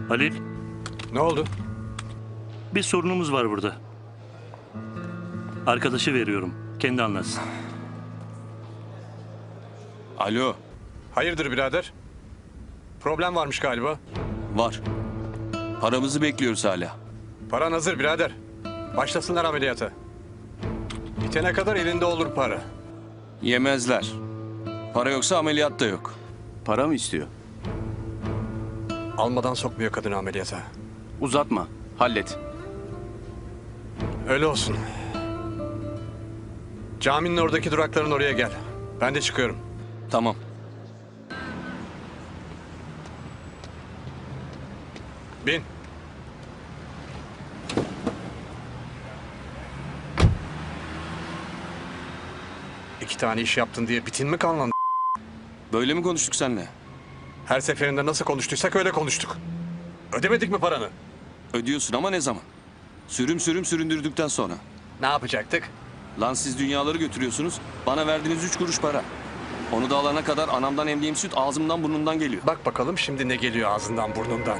Halil, Ne oldu? bir sorunumuz var burada. Arkadaşı veriyorum. Kendi anlatsın. Alo, Hayırdır birader? Problem varmış galiba. var. Paramızı bekliyoruz hala. Paran hazır birader. Başlasınlar ameliyata. Bitene kadar elinde olur para. Yemezler. Para yoksa ameliyat da yok. Para mı istiyor? Almadan sokmuyor kadını ameliyata. Uzatma. Hallet. Öyle olsun. Caminin oradaki durakların oraya gel. Ben de çıkıyorum. Tamam. Bin. İki tane iş yaptın diye bitin mi kanlandı? Böyle mi konuştuk seninle? Her seferinde nasıl konuştuysak öyle konuştuk. Ödemedik mi paranı? Ödüyorsun ama ne zaman? Sürüm sürüm süründürdükten sonra. Ne yapacaktık? Lan siz dünyaları götürüyorsunuz. Bana verdiğiniz 3 kuruş para. Onu da alana kadar anamdan emdiğim süt ağzımdan burnumdan geliyor. Bak bakalım şimdi ne geliyor ağzından burnundan.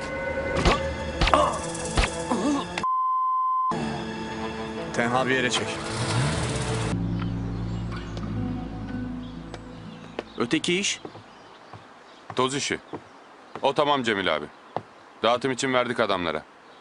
Tenha bir yere çek. Öteki iş? Toz işi. O tamam Cemil abi. Dağıtım için verdik adamlara.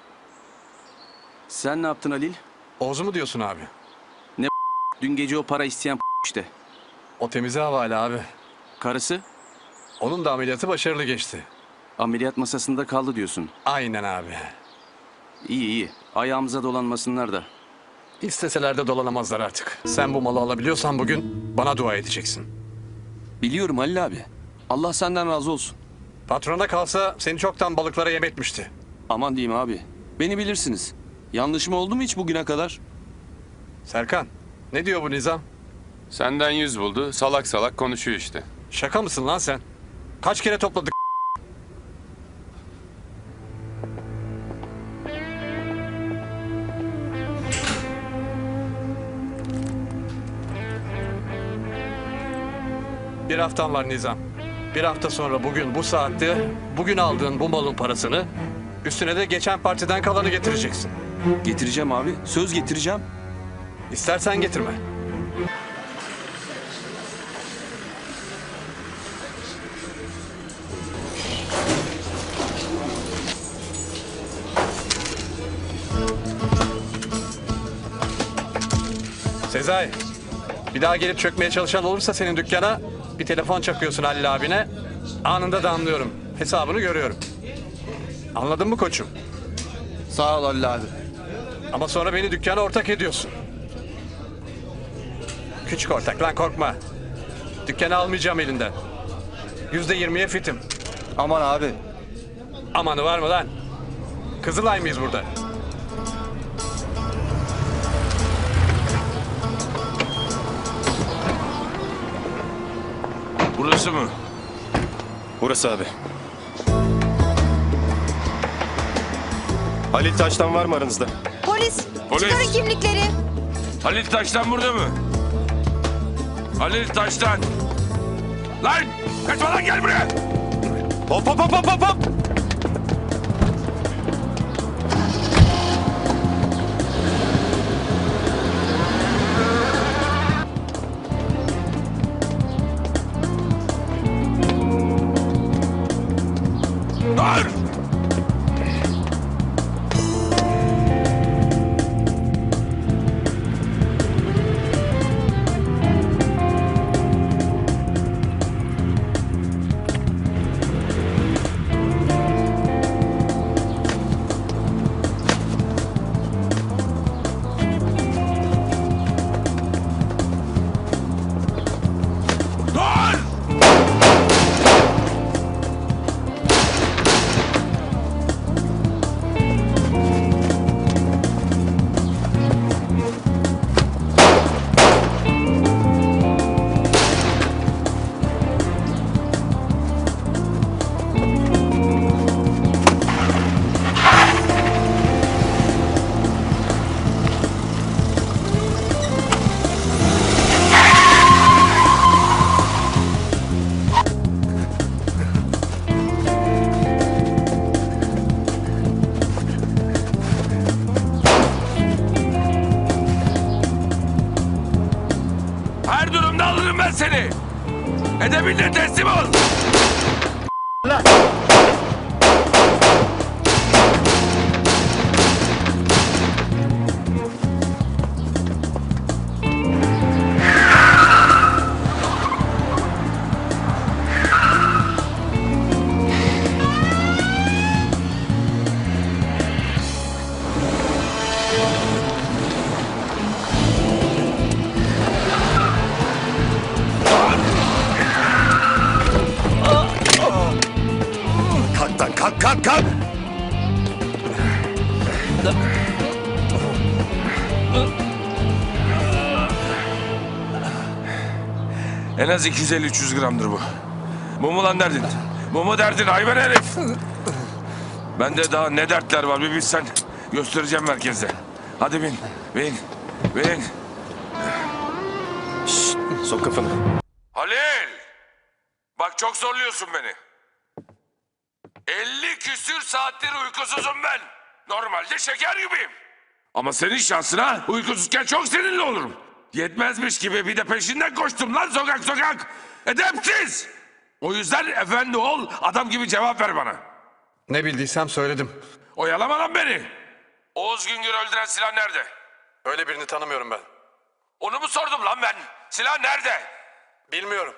Sen ne yaptın Halil? Oğuz'u mu diyorsun abi? Dün gece o para isteyen işte. O temize havale abi. Karısı Onun da ameliyatı başarılı geçti. ameliyat masasında kaldı diyorsun. Aynen abi. İyi iyi. Ayağımıza dolanmasınlar da. İsteseler de dolanamazlar artık. Sen bu malı alabiliyorsan bugün bana dua edeceksin. Biliyorum Halil abi. Allah senden razı olsun. Patrona kalsa seni çoktan balıklara yem etmişti. Aman diyeyim abi. Beni bilirsiniz. Yanlışım oldu mu hiç bugüne kadar? Serkan, ne diyor bu nizam? Senden 100 buldu. Salak salak konuşuyor işte. Şaka mısın lan sen? Kaç kere topladık? Bir haftan var Nizam. Bir hafta sonra bugün bu saatte bugün aldığın bu malın parasını üstüne de geçen partiden kalanı getireceksin. Getireceğim abi. Söz getireceğim. İstersen getirme. Sezai, bir daha gelip çökmeye çalışan olursa senin dükkana bir telefon çakıyorsun Halil abine. Anında da anlıyorum. Hesabını görüyorum. Anladın mı koçum? Sağ ol Halil abi. Ama sonra beni dükkana ortak ediyorsun. Küçük ortak lan korkma. Dükkanı almayacağım elinden. %20'ye fitim. Aman abi. Amanı var mı lan? Kızılay mıyız burada? Burası mı? Burası abi. Halil Taş'tan var mı aranızda? Polis, Polis. çıkarın kimlikleri. Halil Taş'tan burada mı? Halil Taş'tan. Lan! Kaçma lan gel buraya! Hop hop hop hop hop hop! Dur! Dur! Akabinde teslim ol. Kalk lan kalk kalk kalk. En az 250-300 gramdır bu. Bu mu lan derdin? Bu mu derdin hayvan herif? Bende daha ne dertler var bir bilsen. Göstereceğim merkezde. Hadi bin, bin, bin. Sok kafanı. Halil! Bak çok zorluyorsun beni. 50 küsür saattir uykusuzum ben. Normalde şeker gibiyim. Ama senin şansına uykusuzken çok seninle olurum. Yetmezmiş gibi bir de peşinden koştum lan sokak sokak. Edepsiz! O yüzden efendi ol, adam gibi cevap ver bana. Ne bildiysem söyledim. Oyalama lan beni. Oğuz Güngör öldüren silah nerede? Öyle birini tanımıyorum ben. Onu mu sordum lan ben? Silah nerede? Bilmiyorum.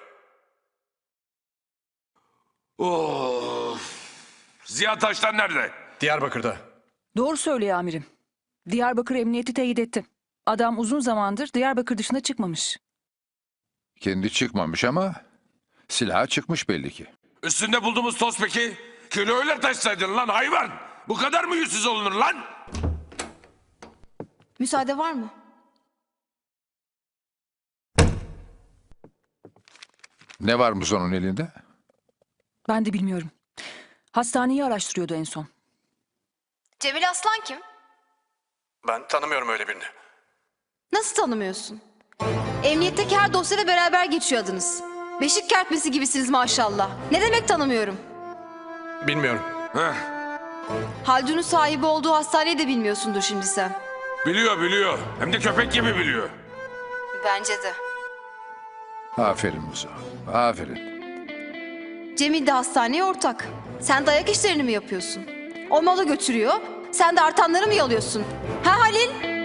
Of. Ziya Taştan nerede? Diyarbakır'da. Doğru söylüyor amirim. Diyarbakır Emniyeti teyit etti. Adam uzun zamandır Diyarbakır dışına çıkmamış. Kendi çıkmamış ama silahı çıkmış belli ki. Üstünde bulduğumuz toz peki? Kiloyla taşsaydın lan hayvan. Bu kadar mı yüzsüz olunur lan? Müsaade var mı? Ne varmış onun elinde? Ben de bilmiyorum. Hastaneyi araştırıyordu en son. Cemil Aslan kim? Ben tanımıyorum öyle birini. Nasıl tanımıyorsun? Emniyetteki her dosyada beraber geçiyor adınız. Beşik kertmesi gibisiniz maşallah. Ne demek tanımıyorum? Bilmiyorum. Heh, Haldun'un sahibi olduğu hastaneyi de bilmiyorsundur şimdi sen. biliyor. Hem de köpek gibi biliyor. Bence de. Aferin Muzo. Aferin. Cemil de hastaneye ortak. Sen dayak işlerini mi yapıyorsun? O malı götürüyor, sen de artanları mı yalıyorsun? Ha Halil?